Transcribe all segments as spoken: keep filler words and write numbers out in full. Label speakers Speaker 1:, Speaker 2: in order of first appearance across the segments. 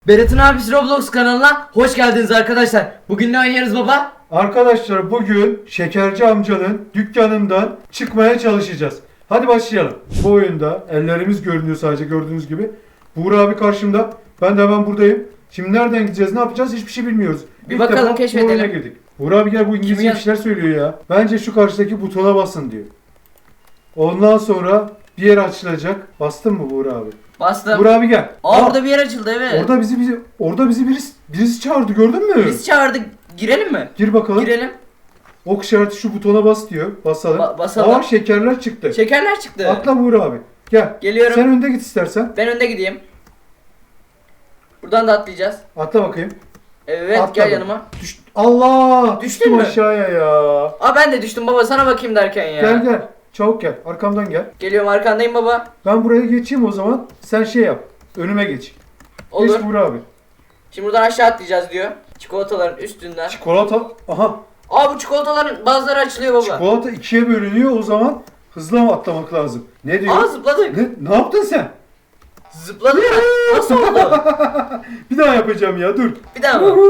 Speaker 1: Berat'ın abisi Roblox kanalına hoş geldiniz arkadaşlar. Bugün ne oynarız baba?
Speaker 2: Arkadaşlar bugün Şekerci amcanın dükkanından çıkmaya çalışacağız. Hadi başlayalım. Bu oyunda ellerimiz görünüyor sadece gördüğünüz gibi. Buğra abi karşımda. Ben de hemen buradayım. Şimdi nereden gideceğiz, ne yapacağız hiçbir şey bilmiyoruz.
Speaker 1: Bir
Speaker 2: İlk
Speaker 1: bakalım,
Speaker 2: defa bu
Speaker 1: keşfedelim.
Speaker 2: oyuna girdik. Buğra abi gel, bu İngilizce
Speaker 1: Kim
Speaker 2: bir şeyler söylüyor ya. Bence şu karşıdaki butona basın diyor. Ondan sonra bir yer açılacak. Bastın mı Buğra abi?
Speaker 1: Bastım.
Speaker 2: Buğra abi gel.
Speaker 1: Aa,
Speaker 2: Aa,
Speaker 1: orada bir yer açıldı, evet.
Speaker 2: orada bizi, bizi orada bizi birisi, birisi çağırdı, gördün mü?
Speaker 1: Biz çağırdık. Girelim mi?
Speaker 2: Gir bakalım.
Speaker 1: Girelim.
Speaker 2: Ok işareti şu butona bas diyor. Basalım.
Speaker 1: Ba- basalım.
Speaker 2: Aa, şekerler çıktı.
Speaker 1: Şekerler çıktı.
Speaker 2: Atla Buğra abi. Gel.
Speaker 1: Geliyorum.
Speaker 2: Sen önde git istersen.
Speaker 1: Ben önde gideyim. Buradan da atlayacağız.
Speaker 2: Atla bakayım.
Speaker 1: Evet,
Speaker 2: Atla
Speaker 1: gel
Speaker 2: bak.
Speaker 1: yanıma.
Speaker 2: Düş. Allah!
Speaker 1: Düştün
Speaker 2: Düştüm
Speaker 1: mü?
Speaker 2: aşağıya ya.
Speaker 1: Aa, ben de düştüm baba, sana bakayım derken ya.
Speaker 2: Gel gel. Çabuk gel. Arkamdan gel.
Speaker 1: Geliyorum, arkandayım baba.
Speaker 2: Ben buraya geçeyim o zaman. Sen şey yap. Önüme geç.
Speaker 1: Olur.
Speaker 2: Geç Buğra abi.
Speaker 1: Şimdi buradan aşağı atlayacağız diyor. Çikolataların üstünden.
Speaker 2: Çikolata. Aha.
Speaker 1: Aa, bu çikolataların bazıları açılıyor baba.
Speaker 2: Çikolata ikiye bölünüyor, o zaman hızlı mı atlamak lazım? Ne diyor?
Speaker 1: Aa, zıpladık.
Speaker 2: Ne, ne yaptın sen?
Speaker 1: Zıpladık. Nasıl oldu?
Speaker 2: Bir daha yapacağım ya, dur.
Speaker 1: Bir daha mı?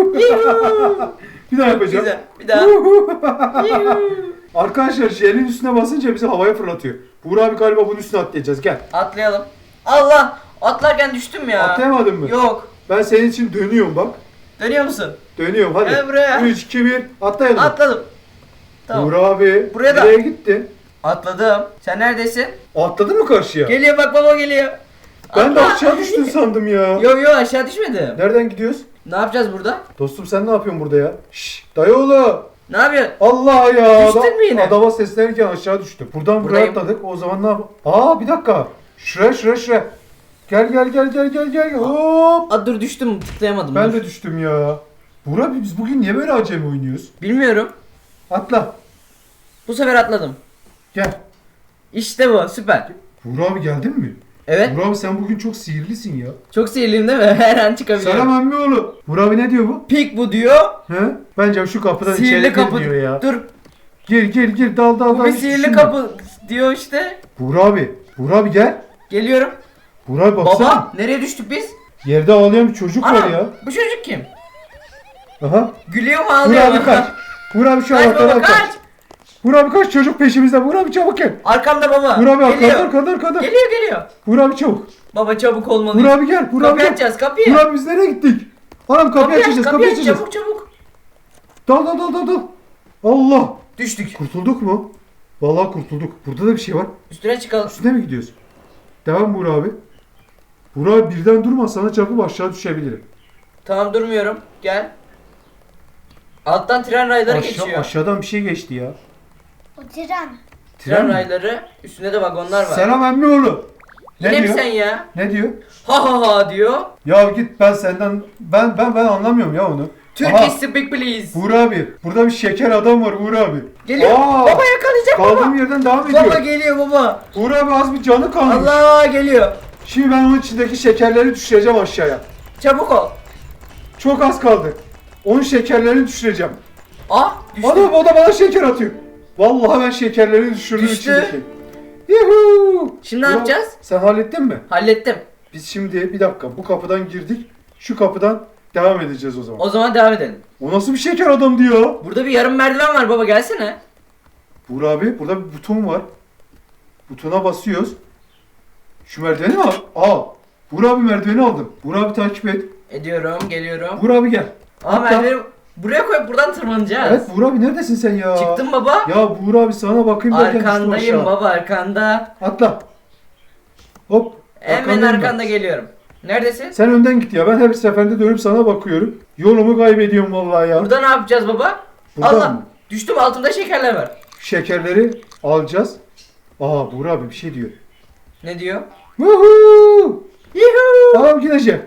Speaker 2: Bir daha yapacağım.
Speaker 1: Güzel. Bir daha.
Speaker 2: Arkadaşlar jelin üstüne basınca bizi havaya fırlatıyor. Buğra abi galiba bunun üstüne atlayacağız, gel.
Speaker 1: Atlayalım. Allah! Atlarken düştüm ya.
Speaker 2: Atlayamadın mı?
Speaker 1: Yok.
Speaker 2: Ben senin için dönüyorum bak.
Speaker 1: Dönüyor musun?
Speaker 2: Dönüyorum hadi.
Speaker 1: Gel buraya.
Speaker 2: üç, iki, bir atlayalım.
Speaker 1: Atladım. Tamam.
Speaker 2: Buğra abi
Speaker 1: Buraya da-
Speaker 2: nereye gitti?
Speaker 1: Atladım. Sen neredesin?
Speaker 2: Atladın mı karşıya?
Speaker 1: Geliyor bak, baba geliyor.
Speaker 2: Ben de
Speaker 1: Atla.
Speaker 2: aşağı düştün sandım ya.
Speaker 1: Yo yo, aşağı düşmedim.
Speaker 2: Nereden gidiyoruz?
Speaker 1: Ne yapacağız burada?
Speaker 2: Dostum sen ne yapıyorsun burada ya? Şşş dayıoğlu.
Speaker 1: Ne yapıyorsun?
Speaker 2: Allah ya.
Speaker 1: Düştün
Speaker 2: Adam-
Speaker 1: mü yine?
Speaker 2: Adama seslenirken aşağı düştüm. Buradan buraya
Speaker 1: Buradayım.
Speaker 2: atladık. O zaman ne yap? Aa bir dakika. Şuraya şuraya şuraya. Gel gel gel gel gel gel. Hop.
Speaker 1: Aa, dur düştüm, tıklayamadım.
Speaker 2: Ben
Speaker 1: dur.
Speaker 2: de düştüm ya. Buğra biz bugün niye böyle acemi oynuyoruz?
Speaker 1: Bilmiyorum.
Speaker 2: Atla.
Speaker 1: Bu sefer atladım.
Speaker 2: Gel.
Speaker 1: İşte bu, süper.
Speaker 2: Buğra abi geldin mi?
Speaker 1: Evet.
Speaker 2: Buğra abi sen bugün çok sihirlisin ya.
Speaker 1: Çok sihirliyim değil mi? Her an çıkabiliyorum.
Speaker 2: Selam emmioğlu. Buğra abi ne diyor bu?
Speaker 1: Pik bu diyor.
Speaker 2: He? Bence şu kapıdan
Speaker 1: Sihirli
Speaker 2: içeri
Speaker 1: kapı
Speaker 2: gir diyor ya.
Speaker 1: Dur.
Speaker 2: Gir gir gir dal dal
Speaker 1: Bu
Speaker 2: dal.
Speaker 1: bir
Speaker 2: hiç
Speaker 1: sihirli
Speaker 2: düşünme.
Speaker 1: kapı diyor işte.
Speaker 2: Buğra abi. Buğra abi gel.
Speaker 1: Geliyorum.
Speaker 2: Buğra abi baksana.
Speaker 1: Baba, nereye düştük biz?
Speaker 2: Yerde ağlayan bir çocuk var
Speaker 1: Ana,
Speaker 2: ya.
Speaker 1: bu çocuk kim?
Speaker 2: Aha.
Speaker 1: Gülüyor mu,
Speaker 2: Buğra
Speaker 1: ağlıyor
Speaker 2: abi
Speaker 1: mu?
Speaker 2: kaç. Buğra abi şu
Speaker 1: Kaç
Speaker 2: anahtarı
Speaker 1: baba,
Speaker 2: al kaç.
Speaker 1: kaç.
Speaker 2: Buğra abi kaç, çocuk peşimizde. Buğra abi çabuk gel.
Speaker 1: Arkamda baba.
Speaker 2: Buğra abi
Speaker 1: geliyor.
Speaker 2: arkada arkada arkada.
Speaker 1: Geliyor geliyor.
Speaker 2: Buğra abi çabuk.
Speaker 1: Baba çabuk olmalıyız.
Speaker 2: Buğra abi gel. Buğra abi
Speaker 1: Kapıyı
Speaker 2: gel.
Speaker 1: açacağız, kapıyı.
Speaker 2: Buğra abi biz nereye gittik? Anam kapıyı
Speaker 1: Kapıyı aç,
Speaker 2: açacağız,
Speaker 1: kapıyı
Speaker 2: kapıyı
Speaker 1: aç,
Speaker 2: açacağız.
Speaker 1: çabuk çabuk.
Speaker 2: Dal dal dal dal dal. Allah.
Speaker 1: Düştük.
Speaker 2: Kurtulduk mu? Vallahi kurtulduk. Burada da bir şey var.
Speaker 1: Üstüne çıkalım.
Speaker 2: Üstüne mi gidiyoruz? Devam Buğra abi. Buğra abi birden durma, sana çarpıp aşağı düşebilirim.
Speaker 1: Tamam, durmuyorum. Gel. Alttan tren rayları
Speaker 2: Aşağı,
Speaker 1: geçiyor.
Speaker 2: aşağıdan bir şey geçti ya.
Speaker 3: O tren.
Speaker 1: Tren
Speaker 2: mi?
Speaker 1: rayları. Üstünde de vagonlar var.
Speaker 2: Selam emmioğlu. Ne
Speaker 1: Yine mi
Speaker 2: diyor?
Speaker 1: sen ya?
Speaker 2: Ne diyor?
Speaker 1: Ha ha ha diyor.
Speaker 2: Ya git, ben senden ben ben ben anlamıyorum ya onu. Aha,
Speaker 1: Turkish speak please.
Speaker 2: Uğur abi. Burada bir şeker adam var Uğur abi.
Speaker 1: Geliyor.
Speaker 2: Aa,
Speaker 1: Baba yakalayacak
Speaker 2: Kaldığım
Speaker 1: baba.
Speaker 2: yerden devam ediyor.
Speaker 1: Baba geliyor baba.
Speaker 2: Uğur abi az bir canı kalmış.
Speaker 1: Allah geliyor.
Speaker 2: Şimdi ben onun içindeki şekerleri düşüreceğim aşağıya.
Speaker 1: Çabuk ol.
Speaker 2: Çok az kaldı. Onun şekerlerini düşüreceğim.
Speaker 1: Ah düştü.
Speaker 2: Adam o da bana şeker atıyor. Vallahi ben şekerlerini düşürdüm
Speaker 1: Düştü.
Speaker 2: içindeki. Yuhuu.
Speaker 1: Şimdi ne
Speaker 2: Ulan,
Speaker 1: yapacağız?
Speaker 2: Sen hallettin mi?
Speaker 1: Hallettim.
Speaker 2: Biz şimdi bir dakika bu kapıdan girdik. Şu kapıdan devam edeceğiz o zaman.
Speaker 1: O zaman devam edelim.
Speaker 2: O nasıl bir şeker adamdı ya?
Speaker 1: Burada bir yarım merdiven var baba, gelsene.
Speaker 2: Buğra abi burada bir buton var. Butona basıyoruz. Şu merdiveni mi al? Al. Buğra abi merdiveni aldım. Buğra abi takip et.
Speaker 1: Ediyorum, geliyorum.
Speaker 2: Buğra abi gel.
Speaker 1: Aa,
Speaker 2: Hatta-
Speaker 1: merdiveni buraya koyup buradan tırmanacağız.
Speaker 2: Evet Buğra abi neredesin sen ya?
Speaker 1: Çıktım baba.
Speaker 2: Ya Buğra abi sana bakayım derken düştüm
Speaker 1: Arkandayım
Speaker 2: aşağı.
Speaker 1: baba, arkanda.
Speaker 2: Atla. Hop.
Speaker 1: Hemen
Speaker 2: arkandayım ben.
Speaker 1: arkanda geliyorum. Neredesin?
Speaker 2: Sen önden git ya. Ben her seferinde dönüp sana bakıyorum. Yolumu kaybediyorum vallahi ya.
Speaker 1: Burada ne yapacağız baba?
Speaker 2: Buradan
Speaker 1: Allah.
Speaker 2: mı?
Speaker 1: Düştüm, altımda şekerler var.
Speaker 2: Şekerleri alacağız. Aa Buğra abi bir şey diyor.
Speaker 1: Ne diyor?
Speaker 2: Woohoo!
Speaker 1: Yuhuu.
Speaker 2: Tamam gideceğim.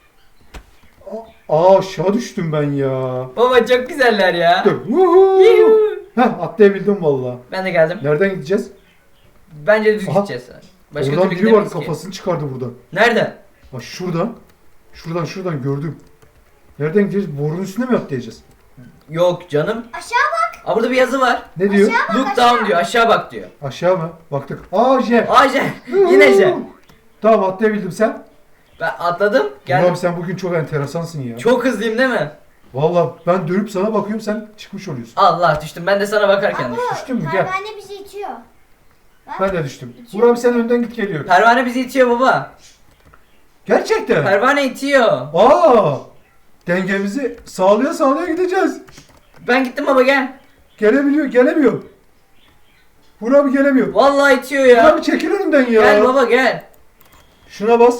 Speaker 2: Aa aşağı düştüm ben ya.
Speaker 1: Baba çok güzeller ya.
Speaker 2: Dur. Woohoo!
Speaker 1: Yuhuu.
Speaker 2: Heh atlayabildim vallahi.
Speaker 1: Ben de geldim.
Speaker 2: Nereden gideceğiz?
Speaker 1: Bence düz
Speaker 2: Aha.
Speaker 1: gideceğiz. Başka
Speaker 2: Oradan
Speaker 1: türlü
Speaker 2: biri var,
Speaker 1: gidemeyiz ki.
Speaker 2: kafasını çıkardı buradan.
Speaker 1: Nerede?
Speaker 2: Bak şuradan. Şuradan şuradan gördüm. Nereden gideceğiz? Borunun üstüne mi atlayacağız?
Speaker 1: Yok canım.
Speaker 3: Aşağı bak.
Speaker 1: Aa, burada bir yazı var.
Speaker 2: Ne diyor?
Speaker 3: Aşağı
Speaker 1: Look
Speaker 3: bak,
Speaker 1: down
Speaker 3: aşağı.
Speaker 1: diyor. Aşağı bak diyor.
Speaker 2: Aşağı mı? Baktık. Aa J.
Speaker 1: Aa J. Yine J.
Speaker 2: Tamam atlayabildim sen.
Speaker 1: Ben atladım.
Speaker 2: Buğra
Speaker 1: Geldim.
Speaker 2: abi sen bugün çok enteresansın ya.
Speaker 1: Çok hızlıyım değil mi?
Speaker 2: Vallahi ben dönüp sana bakıyorum sen çıkmış oluyorsun.
Speaker 1: Allah düştüm. Ben de sana bakarken düştüm.
Speaker 2: Düştün mü? Gel.
Speaker 3: Pervane bizi itiyor. Bak.
Speaker 2: Ben de düştüm.
Speaker 3: İtiyor.
Speaker 2: Buğra abi sen önden git geliyorum.
Speaker 1: Pervane bizi itiyor baba.
Speaker 2: Gerçekten.
Speaker 1: Pervane itiyor.
Speaker 2: Aa! Dengemizi sağlaya sağlaya gideceğiz.
Speaker 1: Ben gittim baba gel.
Speaker 2: Gelemiyor, gelemiyor. Buğra abi gelemiyor.
Speaker 1: Vallahi itiyor
Speaker 2: Buğra
Speaker 1: ya.
Speaker 2: abi çekil önümden ya.
Speaker 1: Gel baba gel.
Speaker 2: Şuna bas.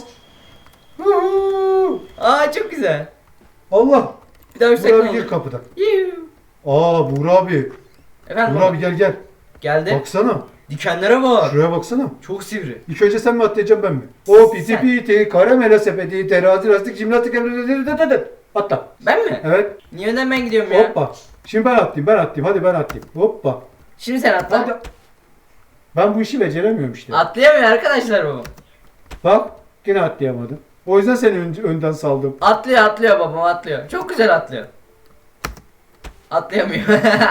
Speaker 2: Huhu!
Speaker 1: Aa çok güzel.
Speaker 2: Allah.
Speaker 1: Bir daha yüksek
Speaker 2: Buğra
Speaker 1: ne
Speaker 2: abi gir
Speaker 1: olur?
Speaker 2: kapıdan.
Speaker 1: Yuh.
Speaker 2: Aa Buğra abi.
Speaker 1: Efendim
Speaker 2: Buğra
Speaker 1: baba.
Speaker 2: abi gel gel.
Speaker 1: Geldi.
Speaker 2: Baksana.
Speaker 1: Dikenlere bak.
Speaker 2: Şuraya baksana.
Speaker 1: Çok sivri.
Speaker 2: İlk önce sen mi atlayacaksın ben mi? O piti
Speaker 1: Sen.
Speaker 2: piti, karamela sepeti, terazi lastik, jimnastik, atla.
Speaker 1: Ben mi?
Speaker 2: Evet.
Speaker 1: Niye önden ben gidiyorum ya?
Speaker 2: Hoppa. Şimdi ben atlayayım, ben atlayayım. Hadi ben atlayayım. Hoppa.
Speaker 1: Şimdi sen atla.
Speaker 2: Hadi. Ben bu işi beceremiyorum işte.
Speaker 1: Atlayamıyor arkadaşlar baba.
Speaker 2: Bak, yine atlayamadım. O yüzden seni ön- önden saldım.
Speaker 1: Atlıyor atlıyor babam atlıyor. Çok güzel atlıyor. Atlayamıyor.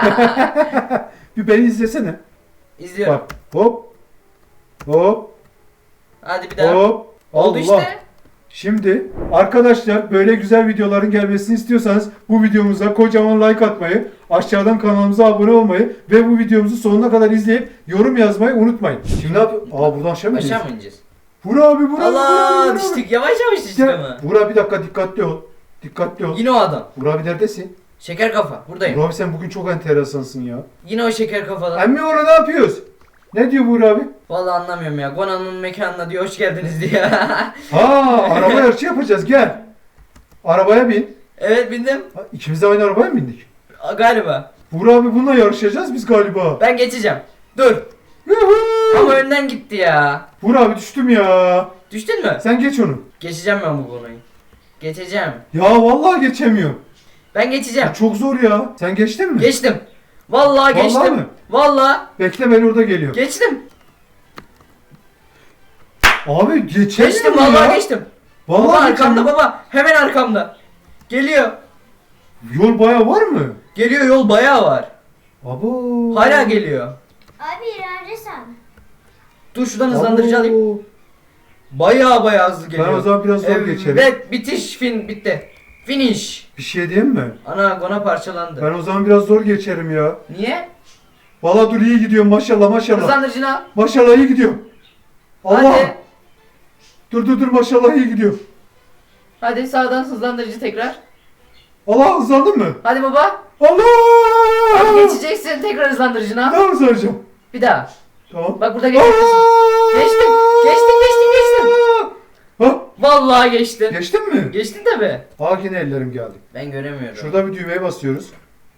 Speaker 2: Bir beni izlesene.
Speaker 1: İzliyorum.
Speaker 2: Bak. Hop. Hop.
Speaker 1: Hadi bir daha.
Speaker 2: Hop.
Speaker 1: Oldu
Speaker 2: Allah.
Speaker 1: işte.
Speaker 2: Şimdi arkadaşlar böyle güzel videoların gelmesini istiyorsanız bu videomuza kocaman like atmayı, aşağıdan kanalımıza abone olmayı ve bu videomuzu sonuna kadar izleyip yorum yazmayı unutmayın. Şimdi ne yapıyoruz? Aa buradan aşağı mı
Speaker 1: Aşağı
Speaker 2: iniyoruz?
Speaker 1: mı ineceğiz?
Speaker 2: Vur abi vur abi. vur abi,
Speaker 1: Allah
Speaker 2: vur abi.
Speaker 1: düştük. Yavaş yavaş düştük
Speaker 2: Gel.
Speaker 1: ama.
Speaker 2: Vur abi bir dakika dikkatli ol. Dikkatli ol.
Speaker 1: Yine o adam.
Speaker 2: Vur abi neredesin?
Speaker 1: Şeker kafa. Buradayım.
Speaker 2: Vur abi sen bugün çok enteresansın ya.
Speaker 1: Yine o şeker kafadan.
Speaker 2: Emmi oğlu ne yapıyoruz? Ne diyor Vur abi?
Speaker 1: Vallahi anlamıyorum ya. Gonan'ın mekanına diyor hoş geldiniz diye.
Speaker 2: Ha araba yarışı yapacağız gel. Arabaya bin.
Speaker 1: Evet bindim.
Speaker 2: Ha, İkimiz de aynı arabaya mı bindik?
Speaker 1: A, Galiba.
Speaker 2: Vur abi bununla yarışacağız biz galiba.
Speaker 1: Ben geçeceğim. Dur.
Speaker 2: Yuhu!
Speaker 1: Ama önden gitti ya.
Speaker 2: Vur abi düştüm ya.
Speaker 1: Düştün mü?
Speaker 2: Sen geç onu.
Speaker 1: Geçeceğim ben bu konuyu. Geçeceğim.
Speaker 2: Ya vallahi geçemiyorum.
Speaker 1: Ben geçeceğim.
Speaker 2: Ya çok zor ya. Sen geçtin mi?
Speaker 1: Geçtim. Vallahi
Speaker 2: Vallahi
Speaker 1: geçtim.
Speaker 2: mi?
Speaker 1: Vallahi
Speaker 2: Bekle ben orada geliyorum.
Speaker 1: geçtim.
Speaker 2: Abi geçemiyorum
Speaker 1: Geçtim
Speaker 2: ya.
Speaker 1: vallahi geçtim.
Speaker 2: Vallahi
Speaker 1: Baba arkamda
Speaker 2: geçemiyorum.
Speaker 1: baba. Hemen arkamda. Geliyor.
Speaker 2: Yol bayağı var mı?
Speaker 1: Geliyor yol bayağı var.
Speaker 2: Abo.
Speaker 1: Hala geliyor.
Speaker 3: Abi ileride sen.
Speaker 1: Dur şuradan hızlandırıcı
Speaker 2: Abo.
Speaker 1: alayım. Bayağı bayağı hızlı geliyor.
Speaker 2: Ben o zaman biraz zor geçerim.
Speaker 1: Evet bitiş fin bitti. Finish.
Speaker 2: Bir şey diyeyim mi?
Speaker 1: Ana gona parçalandı.
Speaker 2: Ben o zaman biraz zor geçerim ya.
Speaker 1: Niye?
Speaker 2: Vallahi dur iyi gidiyorum maşallah maşallah.
Speaker 1: Hızlandırıcını al.
Speaker 2: Maşallah iyi gidiyorum. Allah.
Speaker 1: Hadi.
Speaker 2: Dur dur dur maşallah iyi gidiyor.
Speaker 1: Hadi sağdan hızlandırıcı tekrar.
Speaker 2: Allah hızlandın mı?
Speaker 1: Hadi baba.
Speaker 2: Allah.
Speaker 1: Hadi geçeceksin tekrar hızlandırıcını al.
Speaker 2: Daha hızlanacağım.
Speaker 1: Bir daha.
Speaker 2: Tamam.
Speaker 1: Bak burada geçeceksin. Geçtim. Geçtim geçtim geçtim.
Speaker 2: Ha?
Speaker 1: Vallahi geçtin.
Speaker 2: Geçtin mi?
Speaker 1: Geçtin tabi.
Speaker 2: Aa yine ellerim geldi.
Speaker 1: Ben göremiyorum.
Speaker 2: Şurada bir düğmeye basıyoruz.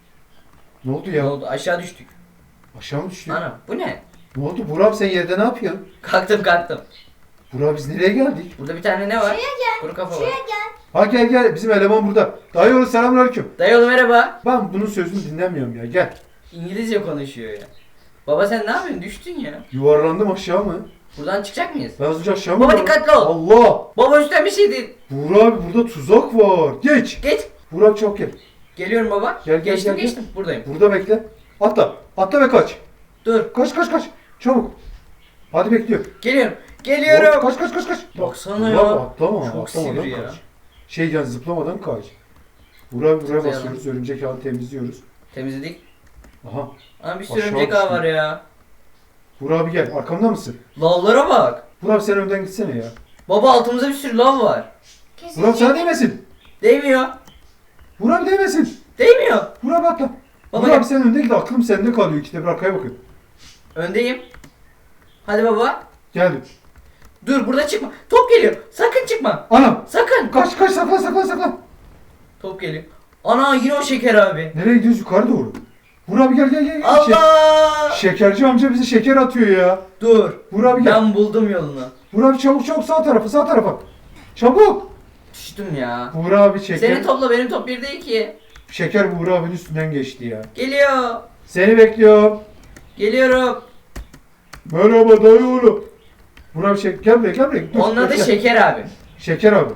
Speaker 2: Ne oldu
Speaker 1: Ne
Speaker 2: ya?
Speaker 1: oldu? Aşağı düştük.
Speaker 2: Aşağı mı düştük?
Speaker 1: Ana bu ne?
Speaker 2: Ne oldu? Burak sen yerde ne yapıyorsun?
Speaker 1: Kalktım kalktım.
Speaker 2: Burak biz nereye geldik?
Speaker 1: Burada bir tane ne var?
Speaker 3: Şuraya gel.
Speaker 1: Kuru kafa var.
Speaker 3: Şuraya gel.
Speaker 2: Ha gel gel bizim eleman burada. Dayı oğlu selamünaleyküm.
Speaker 1: Dayı oğlum merhaba.
Speaker 2: Ben bunun sözünü dinlemiyorum ya gel.
Speaker 1: İngilizce konuşuyor ya. Baba sen ne yapıyorsun? Düştün ya.
Speaker 2: Yuvarlandım aşağı mı?
Speaker 1: Buradan çıkacak mıyız?
Speaker 2: Ben az önce aşağı mı?
Speaker 1: Baba
Speaker 2: yuvarlandım?
Speaker 1: dikkatli ol.
Speaker 2: Allah!
Speaker 1: Baba üstten bir şey değil.
Speaker 2: Burak abi burada tuzak var. Geç.
Speaker 1: Geç.
Speaker 2: Burak çok gel.
Speaker 1: Geliyorum baba.
Speaker 2: Gel, gel,
Speaker 1: geçtim
Speaker 2: gel,
Speaker 1: geçtim. Buradayım.
Speaker 2: Burada bekle. Atla. Atla ve kaç.
Speaker 1: Dur.
Speaker 2: Kaç kaç kaç. Çabuk. Hadi bekliyor.
Speaker 1: Geliyorum. Geliyorum.
Speaker 2: Kaç kaç kaç kaç.
Speaker 1: Baksana
Speaker 2: Burak,
Speaker 1: ya.
Speaker 2: Atlama.
Speaker 1: Çok
Speaker 2: atlamadan
Speaker 1: sivri ya.
Speaker 2: kaç. Şey yani zıplamadan kaç. Burak buraya
Speaker 1: Zıplayalım.
Speaker 2: basıyoruz. Örümcek ağını temizliyoruz.
Speaker 1: Temizledik.
Speaker 2: Aha.
Speaker 1: Ana bir sürü
Speaker 2: Aşağı
Speaker 1: örümcek ağı
Speaker 2: düştüm.
Speaker 1: var ya.
Speaker 2: Burak abi gel. Arkamda mısın?
Speaker 1: Lavlara bak.
Speaker 2: Burak abi sen önden gitsene ya.
Speaker 1: Baba altımızda bir sürü lav var.
Speaker 3: Kesin
Speaker 2: Burak sana değmesin.
Speaker 1: Değmiyor.
Speaker 2: Burak abi değmesin.
Speaker 1: Değmiyor.
Speaker 2: Burak abi atla.
Speaker 1: Baba
Speaker 2: Burak
Speaker 1: gel.
Speaker 2: abi sen önde git. Aklım sende kalıyor. İkide bir arkaya bakın.
Speaker 1: Öndeyim. Hadi baba.
Speaker 2: Geldim.
Speaker 1: Dur burada çıkma. Top geliyor. Sakın çıkma.
Speaker 2: Anam.
Speaker 1: Sakın.
Speaker 2: Kaç kaç saklan saklan saklan.
Speaker 1: Top geliyor. Ana yine o şeker abi.
Speaker 2: Nereye gidiyoruz? Yukarı doğru. Burak abi gel gel gel. gel. Şek-
Speaker 1: Allah.
Speaker 2: Şekerci amca bize şeker atıyor ya.
Speaker 1: Dur.
Speaker 2: Burak abi gel.
Speaker 1: Ben buldum yolunu.
Speaker 2: Burak abi çabuk çabuk sağ tarafa sağ tarafa. Çabuk.
Speaker 1: Düştüm ya.
Speaker 2: Burak abi şeker.
Speaker 1: Senin topla benim top bir değil ki.
Speaker 2: Şeker Burak abinin üstünden geçti ya.
Speaker 1: Geliyor.
Speaker 2: Seni bekliyorum.
Speaker 1: Geliyorum.
Speaker 2: Merhaba dayı oğlum. Burak abi şeker. Gel buraya gel buraya. Dur,
Speaker 1: Onun adı
Speaker 2: bekle.
Speaker 1: Şeker abi.
Speaker 2: Şeker abi.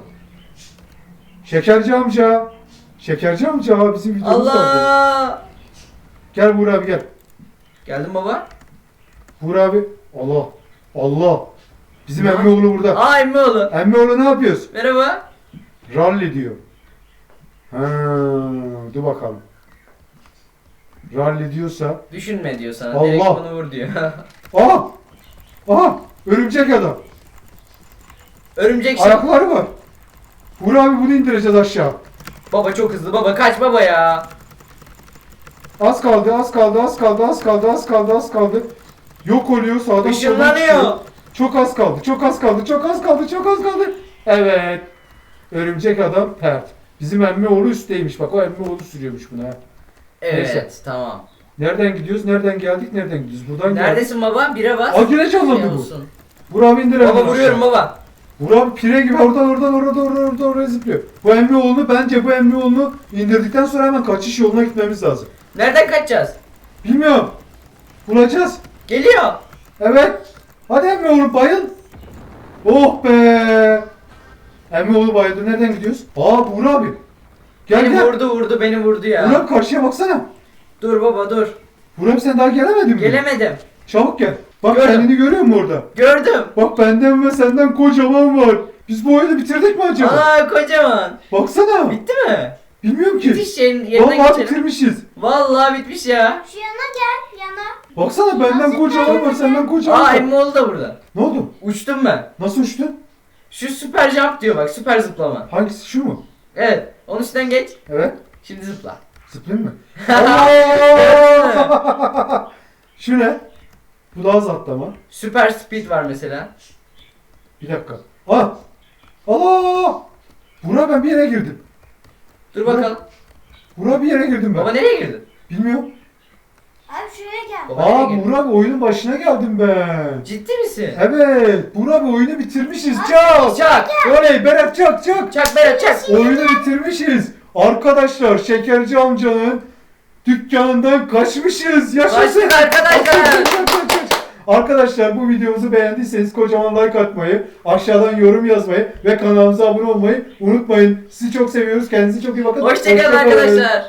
Speaker 2: Şekerci amca. Şekerci amca bizim videomuz vardı.
Speaker 1: Allah.
Speaker 2: Gel Burak abi gel.
Speaker 1: Geldim baba.
Speaker 2: Burak abi. Allah. Allah. Bizim
Speaker 1: Ne?
Speaker 2: Emmioğlu burada.
Speaker 1: Aa Emmioğlu.
Speaker 2: Emmioğlu ne yapıyoruz?
Speaker 1: Merhaba.
Speaker 2: Rally diyor. Ha, dur bakalım. Rally diyorsa.
Speaker 1: Düşünme diyor sana.
Speaker 2: Allah.
Speaker 1: Direkt bunu vur diyor.
Speaker 2: Aha! Aha! Örümcek adam.
Speaker 1: Örümcek şey.
Speaker 2: Ayakları var. Buğra abi bunu indireceğiz aşağı.
Speaker 1: Baba çok hızlı baba kaç baba ya.
Speaker 2: Az kaldı, az kaldı, az kaldı, az kaldı, az kaldı, az kaldı. Yok oluyor sağdan soldan çıkıyor.
Speaker 1: Işınlanıyor.
Speaker 2: Çok az kaldı, çok az kaldı, çok az kaldı, çok az kaldı. Evet. Örümcek adam pert. Bizim Emmioğlu üstteymiş. Bak o Emmioğlu sürüyormuş bunu ha.
Speaker 1: Evet
Speaker 2: Neyse.
Speaker 1: tamam.
Speaker 2: Nereden gidiyoruz? Nereden geldik? Nereden gidiyoruz? Buradan geldik.
Speaker 1: Neredesin baba? Bire bas.
Speaker 2: Aa yine
Speaker 1: Şey
Speaker 2: canlandı bu.
Speaker 1: olsun.
Speaker 2: Buğra abi indir
Speaker 1: Baba
Speaker 2: hemen
Speaker 1: vuruyorum
Speaker 2: aşağı.
Speaker 1: baba.
Speaker 2: Buğra abi pire gibi oradan oradan oradan oradan oradan oraya zıplıyor. Bu Emmioğlu'nu bence bu Emmioğlu'nu indirdikten sonra hemen kaçış yoluna gitmemiz lazım.
Speaker 1: Nereden kaçacağız?
Speaker 2: Bilmiyorum. Bulacağız.
Speaker 1: Geliyor.
Speaker 2: Evet. Hadi Emmioğlu bayıl. Oh be. Emmioğlu bayıldı. Nereden gidiyoruz? Aa Buğra abi. Gel
Speaker 1: beni
Speaker 2: gel.
Speaker 1: vurdu vurdu beni vurdu ya.
Speaker 2: Buğra abi karşıya baksana.
Speaker 1: Dur baba dur.
Speaker 2: Buğra abi sen daha gelemedin mi?
Speaker 1: Gelemedim.
Speaker 2: Çabuk gel. Bak
Speaker 1: Gördüm.
Speaker 2: kendini görüyor musun orada?
Speaker 1: Gördüm.
Speaker 2: Bak benden ve senden kocaman var. Biz bu oyunu bitirdik mi acaba?
Speaker 1: Aa kocaman.
Speaker 2: Baksana.
Speaker 1: Bitti mi?
Speaker 2: Bilmiyorum ki.
Speaker 1: Bitiş şeyin yerine
Speaker 2: Vallahi
Speaker 1: geçelim.
Speaker 2: bitirmişiz.
Speaker 1: Vallahi bitmiş ya.
Speaker 3: Şu yana gel yana.
Speaker 2: Baksana benden
Speaker 3: Nasıl
Speaker 2: kocaman var,
Speaker 3: bitirdi?
Speaker 2: senden kocaman
Speaker 1: Aa
Speaker 2: var.
Speaker 1: Emmioğlu da burada.
Speaker 2: Ne oldu?
Speaker 1: Uçtum ben.
Speaker 2: Nasıl uçtun?
Speaker 1: Şu süper jump diyor bak süper zıplama.
Speaker 2: Hangisi şu mu?
Speaker 1: Evet. Onun üstünden geç.
Speaker 2: Evet.
Speaker 1: Şimdi zıpla.
Speaker 2: Zıplayayım mı? Allah! Şu ne? Bu daha az atlama.
Speaker 1: Süper speed var mesela.
Speaker 2: Bir dakika. Ah! Allah! Bura ben bir yere girdim.
Speaker 1: Dur bakalım.
Speaker 2: Bura bir yere girdim ben.
Speaker 1: Baba nereye girdin?
Speaker 2: Bilmiyorum.
Speaker 3: Abi şuraya gel.
Speaker 1: Baba nereye
Speaker 2: Aa
Speaker 1: girdin?
Speaker 2: Burak abi oyunun başına geldim ben.
Speaker 1: Ciddi misin?
Speaker 2: Evet. Burak abi oyunu bitirmişiz. Çak!
Speaker 1: Çak.
Speaker 2: Oley Berat çak çak.
Speaker 1: Çak Berat çak.
Speaker 2: Oyunu bitirmişiz. Arkadaşlar Şekerci amcanın dükkanından kaçmışız. Yaşasın.
Speaker 1: Kaçtık arkadaşlar.
Speaker 2: Kaç, kaç, kaç, kaç. Arkadaşlar bu videomuzu beğendiyseniz kocaman like atmayı, aşağıdan yorum yazmayı ve kanalımıza abone olmayı unutmayın. Sizi çok seviyoruz. Kendinize çok iyi bakın.
Speaker 1: Hoşçakalın
Speaker 2: Hoşça kalın.
Speaker 1: arkadaşlar.